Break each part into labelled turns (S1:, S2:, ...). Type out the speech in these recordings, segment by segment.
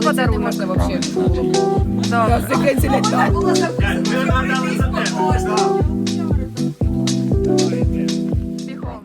S1: подарунок.
S2: Можна вообще.
S1: Да.
S3: Було записано.
S1: Бігом.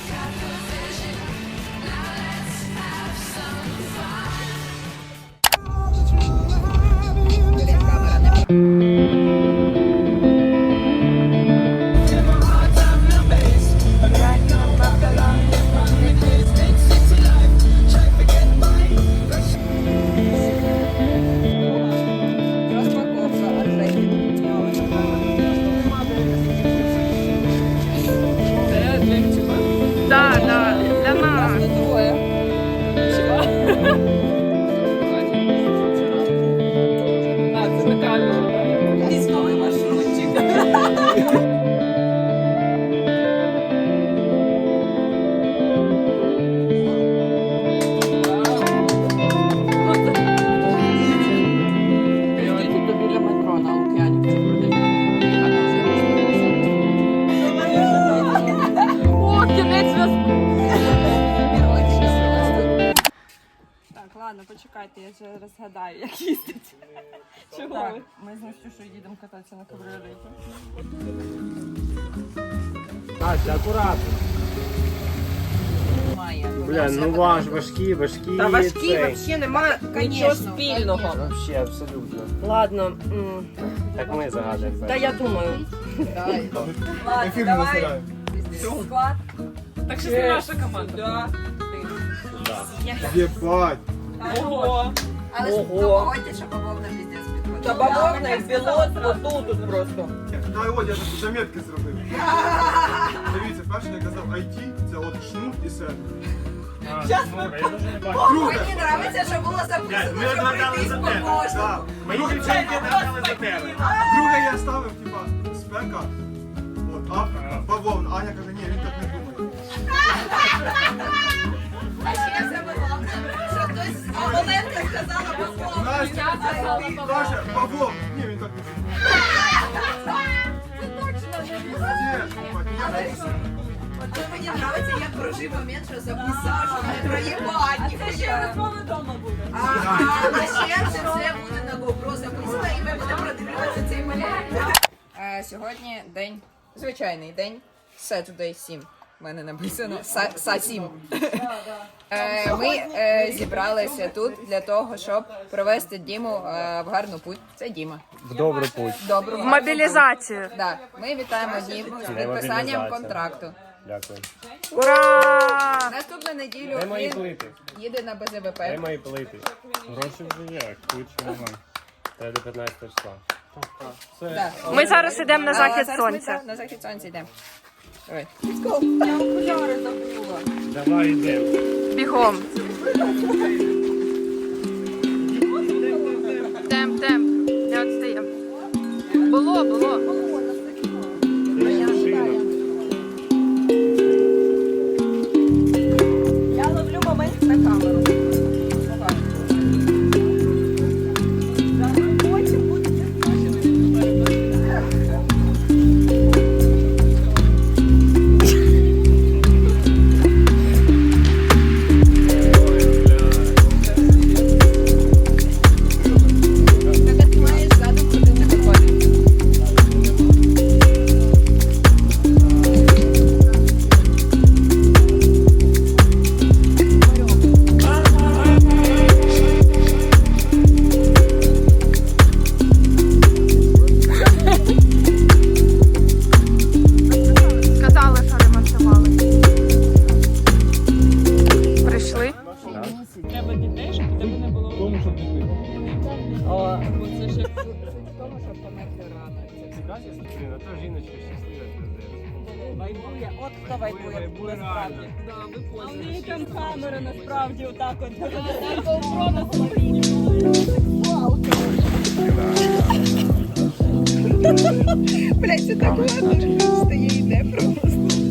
S1: Да, да, для нас.
S3: Військовий маршрутчик.
S2: Біля метро на Лук'янівці.
S1: О, кінець зв'язку.
S4: Так, ладно, почекайте, я зараз згадаю, як їздить. Чого
S2: Так,
S4: ви?
S2: ми з Настюшою їдемо кататися на кабріолеті.
S5: Настя, акуратно. Бля, ну важкі.
S2: Та важкі
S5: цей.
S2: взагалі немає нічого спільного.
S5: Вообще, абсолютно.
S2: Ладно,
S5: Так ми загадуємо.
S2: та я думаю.
S3: Ладно, давай. Склад.
S4: Так що це наша команда.
S6: Єбать!
S4: Ого!
S3: Але ж погодьте, що бавовна піздець підходить.
S2: Та бавовна і білот отут просто.
S6: Дай от я такі заметки зробив. Дивіться, перше я казав IT, це от шнур і сервер.
S3: Мені подобається, що було записано, що пройтись по кожному.
S6: Так.
S5: Мої дівчинки дали за тебе.
S6: Друге я ставив, типа, спека, от, бавовна. Аня каже, ні, він так не думає.
S3: А ще саме головне, що хтось з Оленка сказала бавовна.
S6: Настя каже, бавовна. Ні, він так не думає.
S3: Це точно не От мені подобається, як прожив момент, що записав, що не проїбать, ніхуя.
S4: Вдома буде.
S3: А ще це буде на GoPro записано, і ми будемо продивлятися цей момент.
S2: Сьогодні день, звичайний день, Saturday 7. У мене написано Са-7. Ми зібралися тут для того, щоб провести Діму в гарну путь. Це Діма.
S5: В добру путь.
S2: Добру
S1: В мобілізацію.
S2: Да. Ми вітаємо Діму з підписанням
S5: мобілізація.
S2: контракту.
S5: Дякую.
S1: Ура!
S2: Наступну неділю
S5: Де мої
S2: він
S5: плити?
S2: їде на БЗВП.
S5: Де мої плити? Гроші вже є, куча нема. Це до 15 числа.
S2: Да.
S1: Ми зараз йдемо на захід
S2: Зараз ми
S1: сонця.
S2: на захід сонця йдемо. Давай.
S5: Давай йдемо.
S1: Бігом. Темп. Не відстаємо. Було.
S4: Я ловлю момент на камеру. Потім буде.
S2: Ти маєш задум, куди не виходить.
S1: Сказали, що ремонтували. Прийшли.
S4: Треба дітей, щоб у тебе не було.
S6: Тому, щоб не пити.
S4: Бо це ж як
S2: В тому, щоб померти рано.
S5: Прекрасна Світлина, то жіночка щаслива.
S4: вайбує. От хто вайбує насправді. А в неї там камера насправді отак от.
S2: Блять, це так ладно, стає і йде просто.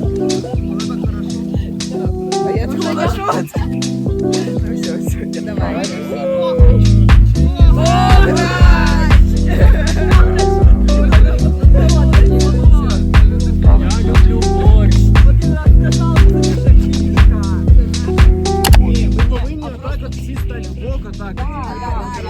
S2: А я думала, що це? Ну все, давай.
S5: Я люблю борщ.
S6: Ви повинні отак от всі стати в бок, отак.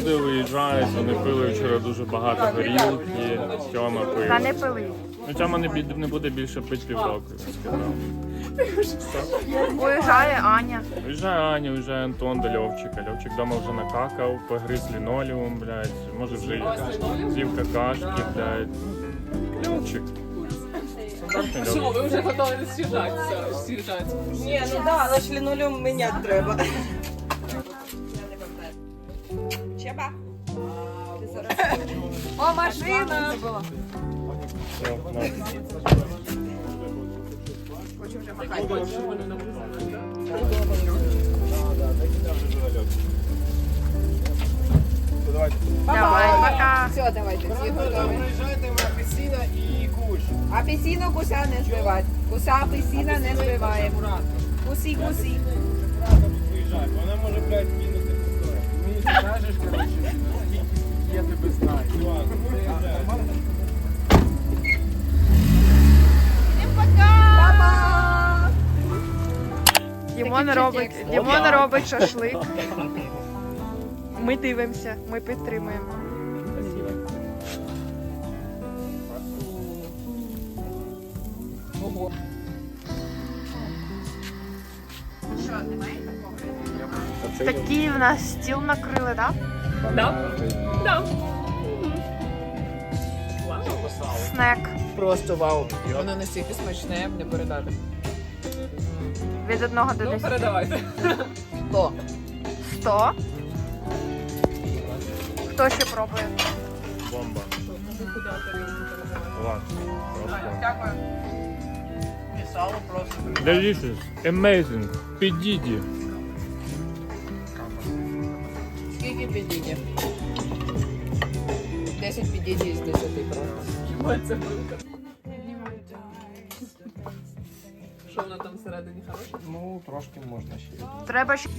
S5: люди виїжджають, вони пили вчора дуже багато горілки, Тьома пив.
S1: Та не пили.
S5: Ну, Тьома не буде більше пити півроку, він сказав.
S1: Уїжджає Аня.
S5: Уїжджає Аня, уїжджає Антон до Льовчика. Льовчик вдома вже накакав, погриз лінолеум, блядь. Може вже з'їв какашки, блядь. Льовчик. Стандартний Льовчик.
S7: Ви вже готові з'їжджати.
S3: Ні, ну да, але ж лінолеум міняти треба. Чеба.
S4: О, машина!
S5: Все, на.
S1: Давай, пока.
S2: Все, давайте, всі готові.
S6: Приїжджайте в апельсина і куш.
S2: Апельсину куся не збивати. Куса апельсина не збиваємо. Кусі.
S6: Приїжджай, вона може, блядь, кинути пустое. Мені скажеш, коротше, я тебе знаю.
S1: Дімон робить шашлик. Ми дивимося, ми підтримуємо. Такий в нас стіл накрили, так?
S7: Да.
S1: Снек.
S2: Просто вау. Воно настільки смачне, не передати.
S1: Від 1 до 10.
S7: Передавайте.
S2: 100.
S1: 100. Хто ще пробує?
S5: Бомба. Клас.
S2: Дякую.
S5: Delicious. Amazing. Підійді.
S2: Скільки підійде? 10 підійде із 10 просто.
S7: Що вона там всередині хороша?
S6: Ну, трошки можна ще.
S1: Треба ще.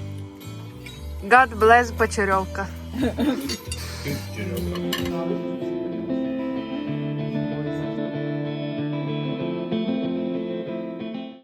S1: God bless Почерьовка.
S5: Ти, Серега.